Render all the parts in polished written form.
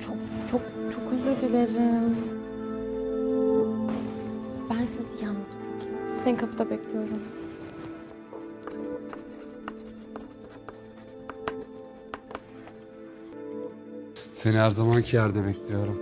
Çok çok çok özür dilerim. Ben sizi yalnız bırakayım. Seni kapıda bekliyorum. Seni her zamanki yerde bekliyorum.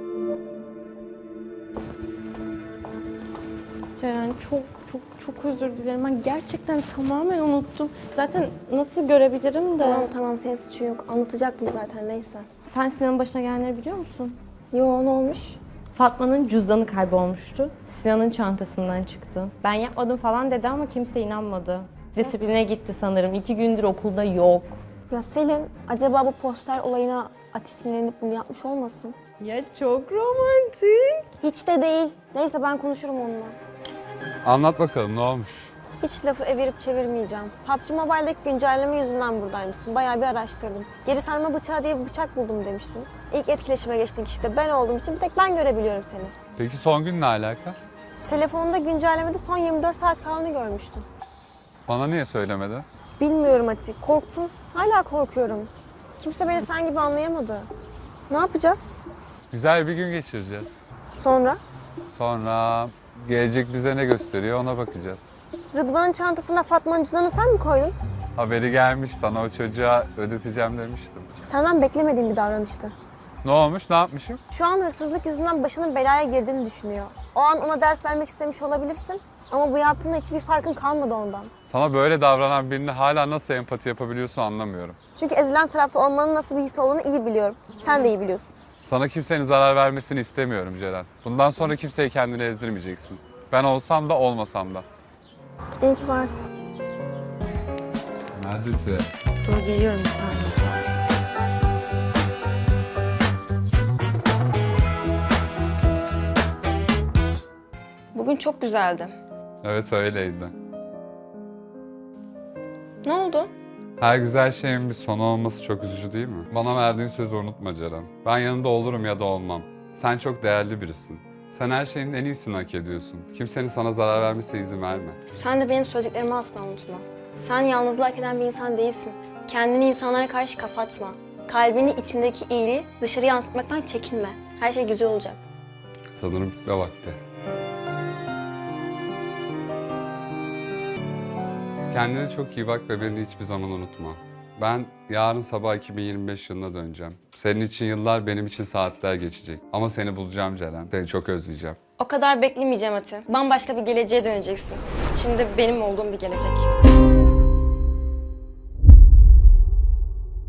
Ceren çok özür dilerim. Ben gerçekten tamamen unuttum. Zaten nasıl görebilirim de. Tamam senin suçun yok. Anlatacaktım zaten neyse. Sen Sinan'ın başına gelenleri biliyor musun? Yo ne olmuş? Fatma'nın cüzdanı kaybolmuştu. Sinan'ın çantasından çıktı. Ben yapmadım falan dedi ama kimse inanmadı. Disipline gitti sanırım. 2 gündür okulda yok. Ya Selin acaba bu poster olayına Ati sinirlenip bunu yapmış olmasın? Ya çok romantik. Hiç de değil. Neyse ben konuşurum onunla. Anlat bakalım ne olmuş? Hiç lafı evirip çevirmeyeceğim. PUBG Mobile'deki güncelleme yüzünden buradaymışsın. Bayağı bir araştırdım. Geri sarma bıçağı diye bir bıçak buldum demiştin. İlk etkileşime geçtik işte. Ben olduğum için bir tek ben görebiliyorum seni. Peki son gün ne alaka? Telefonunda güncellemede son 24 saat kaldığını görmüştüm. Bana niye söylemedi? Bilmiyorum Ati. Korktum. Hala korkuyorum. Kimse beni sen gibi anlayamadı. Ne yapacağız? Güzel bir gün geçireceğiz. Sonra? Sonra gelecek bize ne gösteriyor ona bakacağız. Rıdvan'ın çantasına Fatma'nın cüzdanını sen mi koydun? Haberi gelmiş, sana o çocuğa ödeteceğim demiştim. Senden beklemediğim bir davranıştı. Ne olmuş, ne yapmışım? Şu an hırsızlık yüzünden başının belaya girdiğini düşünüyor. O an ona ders vermek istemiş olabilirsin. Ama bu yaptığında hiçbir farkın kalmadı ondan. Sana böyle davranan birine hala nasıl empati yapabiliyorsun anlamıyorum. Çünkü ezilen tarafta olmanın nasıl bir his olduğunu iyi biliyorum. Sen de iyi biliyorsun. Sana kimsenin zarar vermesini istemiyorum Ceren. Bundan sonra kimseyi kendine ezdirmeyeceksin. Ben olsam da olmasam da. İyi ki varsın. Neredesin? Dur geliyorum bir saniye. Bugün çok güzeldi. Evet öyleydi. Ne oldu? Her güzel şeyin bir sonu olması çok üzücü değil mi? Bana verdiğin sözü unutma Ceren. Ben yanında olurum ya da olmam. Sen çok değerli birisin. Sen her şeyin en iyisini hak ediyorsun. Kimsenin sana zarar vermesine izin verme. Sen de benim söylediklerimi asla unutma. Sen yalnızlığı hak eden bir insan değilsin. Kendini insanlara karşı kapatma. Kalbini içindeki iyiliği dışarı yansıtmaktan çekinme. Her şey güzel olacak. Sanırım gitme vakti. Kendine çok iyi bak ve beni hiçbir zaman unutma. Ben yarın sabah 2025 yılına döneceğim. Senin için yıllar, benim için saatler geçecek. Ama seni bulacağım Ceren. Seni çok özleyeceğim. O kadar beklemeyeceğim Ati. Bambaşka bir geleceğe döneceksin. İçinde benim olduğum bir gelecek.